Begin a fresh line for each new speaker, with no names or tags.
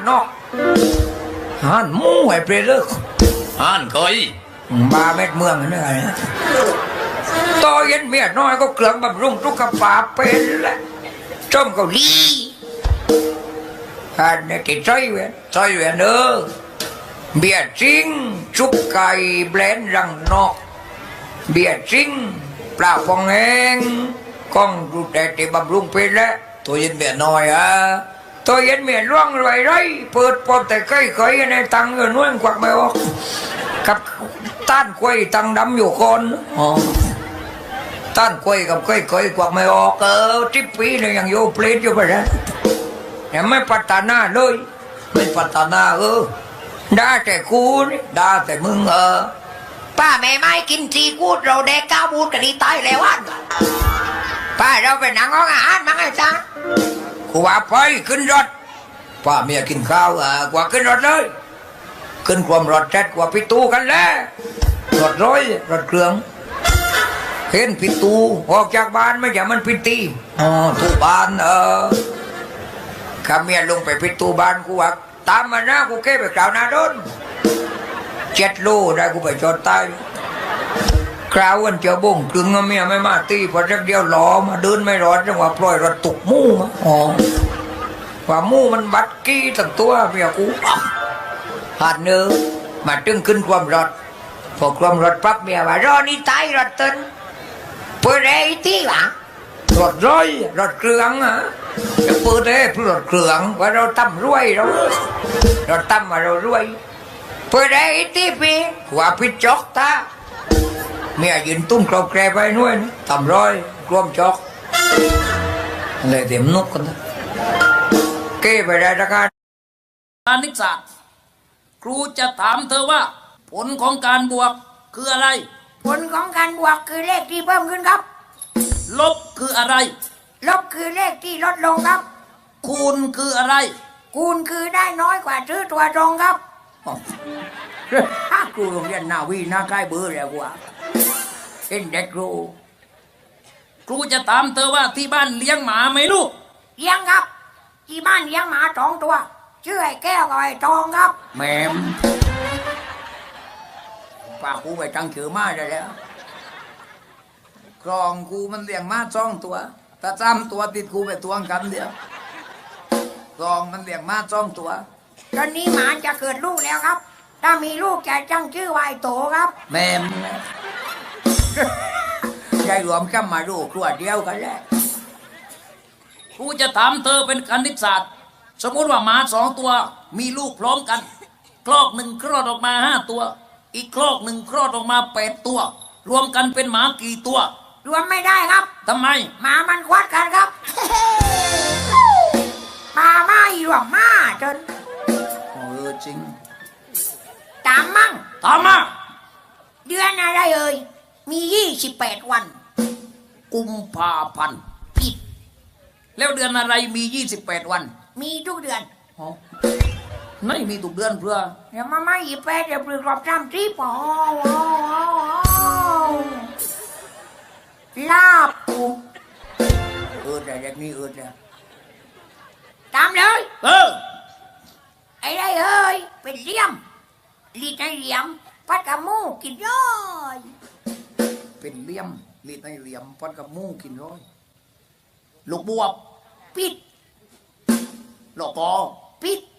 นอกหันหมูไอ้เปรตเลิก
อ่านเคย
บาเม็ดเมืองนี่ไงนะต่อเย็นเมียน้อยก็เกลืองบำรุงทุกขภาพเป็นแหละจมเกาหลีอันนี้ติดใจเว้ยเนอะเบียร์จริงชุบไก่แบรนด์รังนอกเบียร์จริงปลาฟองแห้งกล้องดูแต่ติบำรุงเป็นแล้ว
ตัวเย็นเบียน้อย
ตัวเย็นเมียร่วงไรไรเปิดปอบแต่ใกล้ในตังเงินน้อยกวักไม่ออกกับต้านกล้วยตังดำอยู่คนต้านกล้วยกับกล้วยกวักไม่ออกทิปปีเนี่ยยังโยเพลทอยู่ไปแล้วยังไม่พัฒนาเลย
ไม่พัฒนา
ด่าแต่กูนี่ด่าแต่มึงป้าแม่ไม่กินซีกูดเราแดกก้าวบูดกันดีตายแล้ววันป้าเราไปนั่งห้องอาหารมั้งไอ้จ้ากูว่าไปขึ้นรถป้าเมียกินข้าวกว่าขึ้นรถเลยขึ้นความรถแจ็ดกว่าพิตูกันแล้วรถร้อยรถเครื่องเห็นพิตูออกจากบ้านไม่ใช่มันพิตีตูบ้านข้าเมียลงไปพิตูบ้านกูว่าตามมานะกูเก็บไปกล่าวนาโดน7 โลได้กูไปจอดใต้คราววันเจ้าบ่งกึ่งเมียไม่มาตีพอสักเดียวล้อมาเดินไม่รอดจังหวะปล่อยรถตกมู่มาว่ามู่มันบัดกี้ตั้งตัวเมียกูหาดเนื้อมาตึงขึ้นความรถพอความรถปั๊บเมียว่ารอนี่ตายรถตึนเปิดไอ้ที่หลังรถร้อยรถเครื่องจะเปิดได้เพื่อรถเครื่องว่าเราตั้มรวยเราตั้มมาเรารวยเปิดได้ที่พี่ว่าพี่จอกตาเมียยืนตุ้มกรอบแกรไปนู่นตั้มร้อยรวมจอกเลยเต็มนกกันนะเก้ไปได้ราคา
คณิตศาสตร์ครูจะถามเธอว่าผลของการบวกคืออะไร
ผลของการบวกคือเลขที่เพิ่มขึ้นครับ
ลบคืออะไร
ลบคือเลขที่ลดลงครับ
คูณคืออะไร
คูณคือได้น้อยกว่าซื้อตัวตรงครับ
ครูโรงเรียนนาวีน่าใกล้เบอร์แล้วกว่าเอ็นเด็ก
ครูจะถามเธอว่าที่บ้านเลี้ยงหมาไหมลูก
เลี้ยงครับที่บ้านเลี้ยงหมา2 ตัวชื่อไอ้แก้วกับไอ้ทองครับ
แม่ป้าครูไปตั้งชื่อมาได้แล้วกรองกูมันเลี้ยงมา2 ตัวถ้า3 ตัวติดกูไปตวงกันเดียวกรองมันเลี้ยงมา2 ตัว
ตอนนี้หมาจะเกิดลูกแล้วครับถ้ามีลูกจะตั้งชื่อว่าไอ้โตครับ
แม่ได้รวมกันมาลูกตัวเดียวกันแล้ว
ครูจะถามเธอเป็นคณิตศาสตร์สมมติว่าหมา2 ตัวมีลูกพร้อมกันคลอกหนึ่งคลอดออกมา5 ตัวอีกคลอกหนึ่งคลอดออกมา8 ตัวรวมกันเป็นหมากี่ตัว
รวมไม่ได้ครับ
ทำไม
หมามันควัดกันครับหมาไม่รวมมาจน
จริง
ตามมั่ง
ตามมา
เดือนอะไรมี28 วัน
กุมภาพันธ์
ผิด
แล้วเดือนอะไรมี28 วัน
มีทุกเดือน
ไม่มีทุกเดือนเพื่อ
เดี๋ยวมาไม่28เดี๋ยวปลือกรอบ30ลาบปู
แต่เด็กนี่เนี่ย
ตามเลยไอ้ได้เป็นเหลี่ยมลีดในเหลี่ยมพัดกับมูกินร้อย
เป็นเหลี่ยมลีดในเหลี่ยมพัดกับมูกินร้อย
ลูกบวบ
ปิด
ลูกกอ
ปิด